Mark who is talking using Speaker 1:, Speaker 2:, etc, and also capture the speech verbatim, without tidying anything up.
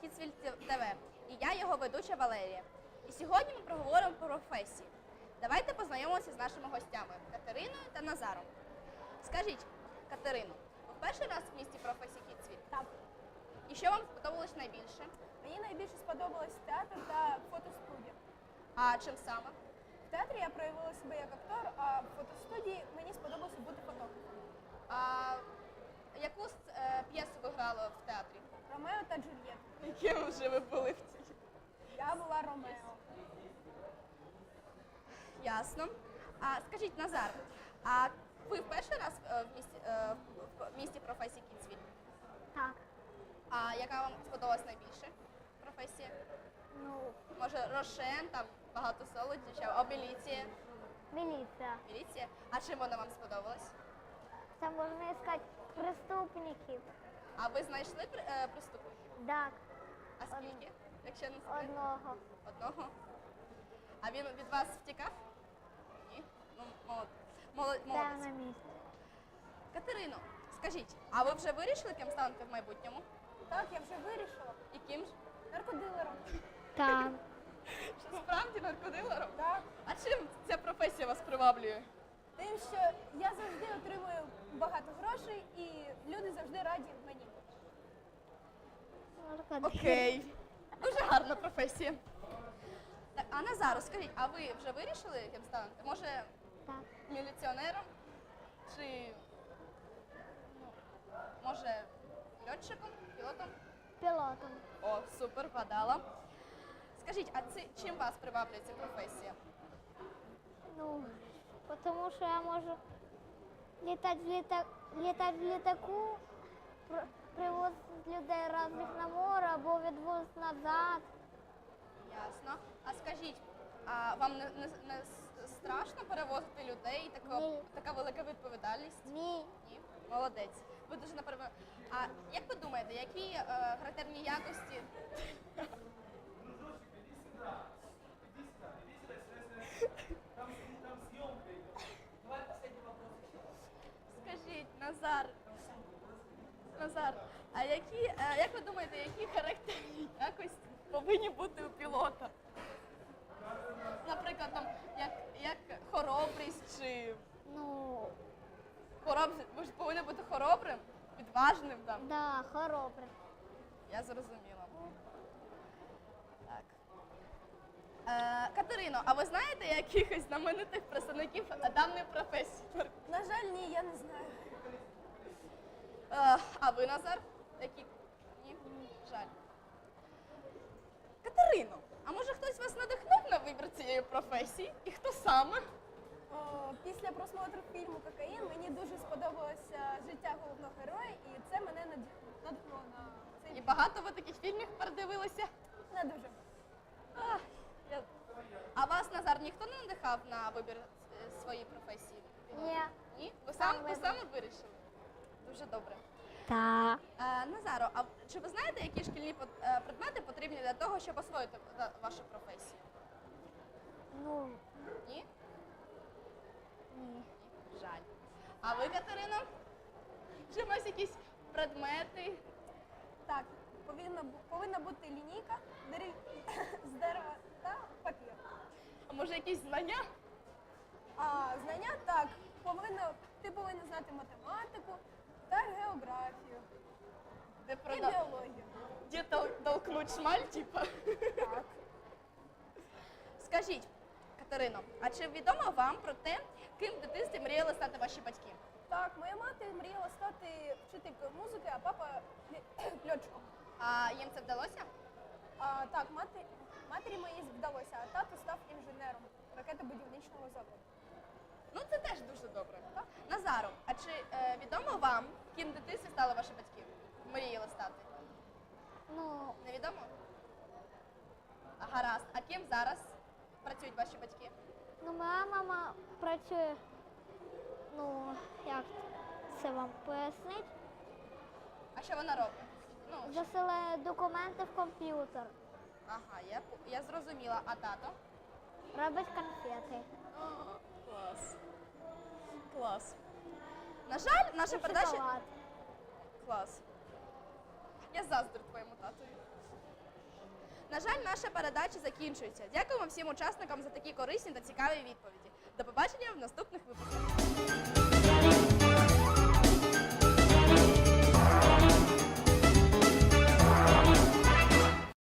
Speaker 1: Кіцвіль ТВ і я його ведуча Валерія. І сьогодні ми проговоримо про професії. Давайте познайомимося з нашими гостями Катериною та Назаром. Скажіть, Катерино, ви перший раз в місті професії Кіцвіль?
Speaker 2: Так.
Speaker 1: І що вам сподобалось найбільше?
Speaker 2: Мені найбільше сподобалось театр та фотостудія.
Speaker 1: А чим саме?
Speaker 2: В театрі я проявила себе як актор, а в фотостудії мені сподобалося бути фотографом.
Speaker 1: А яку е, п'єсу ви грали в театрі?
Speaker 2: Ромео та Джульєтта.
Speaker 1: Яким вже ви були в цій?
Speaker 2: Я була Ромео.
Speaker 1: Ясно. А скажіть, Назар, а ви в перший раз е, в місті, е, в місті професії Кіцвіль?
Speaker 3: Так.
Speaker 1: А яка вам сподобалась найбільше професія?
Speaker 3: Ну,
Speaker 1: Може, Рошен, там багато солодощів, а міліція?
Speaker 3: милиция.
Speaker 1: Міліція? А чим вона вам сподобалась?
Speaker 3: Там можно искать преступников.
Speaker 1: А ви знайшли при- е, преступників?
Speaker 3: Так,
Speaker 1: А скільки? Якщо не секрет?
Speaker 3: одного.
Speaker 1: Одного? А він від вас втікав? Ні? Ну, молод... молод...
Speaker 3: Там
Speaker 1: молодець.
Speaker 3: на месте.
Speaker 1: Катерино, скажіть, а ви вже вирішили, ким станете в майбутньому?
Speaker 2: Так, я вже вирішила.
Speaker 1: І ким ж?
Speaker 2: Наркодилером.
Speaker 3: Там.
Speaker 1: Що справді наркодилером?
Speaker 2: Так.
Speaker 1: А чим ця професія вас приваблює?
Speaker 2: Тим, що я завжди отримую багато грошей і люди завжди раді мені.
Speaker 1: Окей. Дуже гарна професія. Так, а Назару, скажіть, а ви вже вирішили, ким станете? Може,
Speaker 3: Так.
Speaker 1: міліціонером? Чи, ну, може, льотчиком, пілотом?
Speaker 3: Пилотом.
Speaker 1: О, супер, вгадала. Скажіть, а це, чим вас приваблює ця професія?
Speaker 3: Ну, потому что я могу летать в, літа... летать в літаку, пр- привозити людей разних на море або відвозити назад.
Speaker 1: Ясно. А скажіть, а вам не, не, не с- страшно перевозити людей? Така,
Speaker 3: Ні.
Speaker 1: така велика відповідальність?
Speaker 3: Ні.
Speaker 1: Ні. Молодець. Ви дуже напевно. А як ви думаєте, які е, характерні якості? Скажіть, Назар. Назар, а які, е, як ви думаєте, які характерні якості повинні бути у пілота? Наприклад, там, як, як хоробрість чи
Speaker 3: Ну,
Speaker 1: хоробрість, ви ж повинні бути хоробрим, відважним там.
Speaker 3: да, хоробре.
Speaker 1: Я зрозуміла. Так. Е, Катерино, а ви знаєте якихось знаменитих представників даної професії?
Speaker 2: На жаль, ні, я не знаю.
Speaker 1: Е, а ви, Назар? Які? Ні? Жаль. Катерино, а може хтось вас надихнув на вибір цієї професії? І хто саме?
Speaker 2: О, після просмотру фільму «Кокаїн» мені дуже сподобалося життя головного героя, і це мене надих- надихнуло на цей
Speaker 1: І
Speaker 2: фільм.
Speaker 1: багато ви таких фільмів передивилися?
Speaker 2: Не дуже.
Speaker 1: А, я... а вас, Назар, ніхто не надихав на вибір е, своєї професії?
Speaker 3: Ні.
Speaker 1: Ні? Ви сам, ви
Speaker 3: вибір.
Speaker 1: саме вирішили? Дуже добре.
Speaker 3: Так.
Speaker 1: Е, Назаро, а чи ви знаєте, які шкільні пот- е, предмети потрібні для того, щоб освоїти е, вашу професію?
Speaker 3: Ну,
Speaker 1: Ні?
Speaker 3: ні.
Speaker 1: Ні. Жаль. А ви, Катерино? Чи у вас якісь предмети?
Speaker 2: Так, повинна, бу- повинна бути лінійка дерев... з дерева та папір.
Speaker 1: А може якісь знання?
Speaker 2: А знання так, повинна, ти повинна знати математику та географію
Speaker 1: Де
Speaker 2: і
Speaker 1: прода...
Speaker 2: біологію.
Speaker 1: Де тол- толкнуть шмаль, типа?
Speaker 2: Так.
Speaker 1: Скажіть, Катерино, а чи відомо вам про те, ким в дитинстві мріяли стати ваші батьки?
Speaker 2: Так, моя мати мріяла стати вчителькою музики, а папа лі- льотчиком.
Speaker 1: А їм це вдалося?
Speaker 2: А, так, мати, матері моїй вдалося, а тато став інженером ракетобудівничного заводу.
Speaker 1: Ну, це теж дуже добре. Так? Назаро, а чи е, відомо вам, ким в дитинстві стали ваші батьки? Мріяли стати?
Speaker 3: Ну,
Speaker 1: Невідомо? А, гаразд. А ким зараз працюють ваші батьки?
Speaker 3: ну моя мама працює, ну, як це вам пояснити?
Speaker 1: А що вона робить? Ну,
Speaker 3: Засилає документи в комп'ютер,
Speaker 1: ага, я, по- я зрозуміла. А тато?
Speaker 3: робить конфети.
Speaker 1: Клас. Клас. На жаль, наша
Speaker 3: І
Speaker 1: передача...
Speaker 3: шоколад.
Speaker 1: Клас. Я заздрю твоєму татові. На жаль, наша передача закінчується. Дякуємо всім учасникам за такі корисні та цікаві відповіді. До побачення в наступних випусках.